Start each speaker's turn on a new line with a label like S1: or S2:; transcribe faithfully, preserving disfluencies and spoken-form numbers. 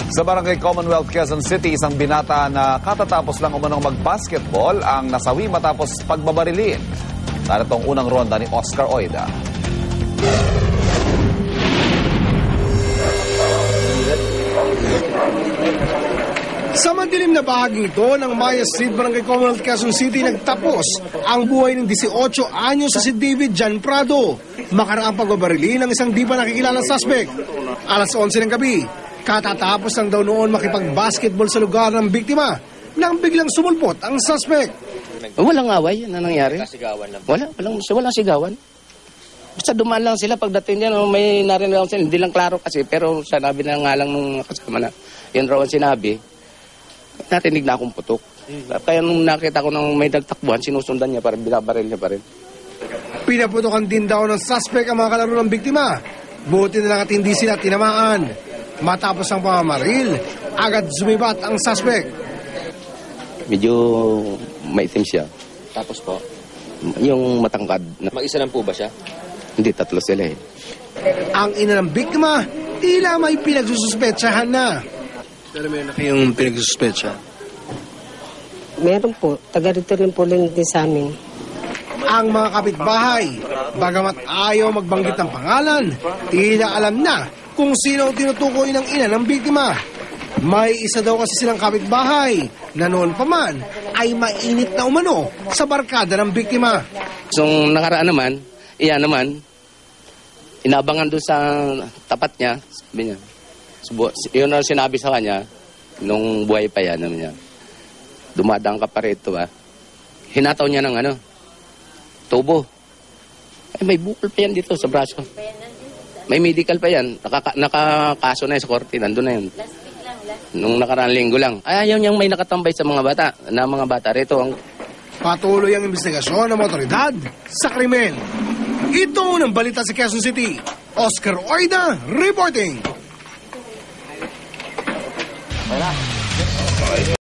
S1: Sa Barangay Commonwealth, Quezon City, isang binata na katatapos lang umanong mag-basketball ang nasawi matapos pagbabarilin. Narito ang unang ronda ni Oscar Oida.
S2: Sa madilim na bahaging ito ng Maya Street, Barangay Commonwealth, Quezon City, nagtapos ang buhay ng eighteen anyos sa si David Jan Prado. Makaraang pagbabarili ng isang di pa nakikilalang suspect. Alas onse ng gabi, katatapos lang daw noon makipag-basketball sa lugar ng biktima nang biglang sumulpot ang suspect.
S3: Walang away na nangyari. Wala, walang, walang sigawan. Basta dumaan lang sila pagdating niya, no, may narinig lang sila, hindi lang klaro kasi, pero sinabi na nga lang nung kasama na, yun raw ang sinabi, narinig na akong putok. Kaya nung nakita ko nang may nagtakbuhan, sinusundan niya, parang binabaril niya pa rin.
S2: Pinaputokan din daw ng suspect ang mga kalaro ng biktima. Buti na lang at hindi sila tinamaan. Matapos ang pamamaril, agad sumibat ang suspect.
S3: Medyo maitim siya.
S4: Tapos po,
S3: Yung matangkad. Na,
S4: mag-isa lang po ba siya?
S3: hindi, tatlo sila eh.
S2: Ang ina ng biktima, tila may pinagsususpetsahan na. Pero meron na kayong pinagsuspetsa?
S5: Meron po. Taga rito rin po din sa amin.
S2: Ang mga kapitbahay, bagamat ayaw magbanggit ng pangalan, tila alam na kung sino ang tinutukoy ng ina ng biktima. May isa daw kasi silang kapitbahay na noon pa man ay mainit na umano sa barkada ng biktima.
S3: So, nakaraan naman, iyan naman, inabangan doon sa tapat niya, sabi niya, subu- yun ang sinabi sa kanya, nung buhay pa yan, naman niya, dumadang ka pa rito ba? Hinataw niya ng ano, tubo. Ay, may bukol pa yan dito sa braso. May medical pa yan. Nakaka nakakaso na yun sa korte, nandun na yun. Nung nakaraan linggo lang. Ay, ayaw niyang may nakatambay sa mga bata, na mga bata rito. Ang...
S2: Patuloy ang investigasyon ng mga otoridad sa krimen. Ito ng balita sa Quezon City. Oscar Oida reporting.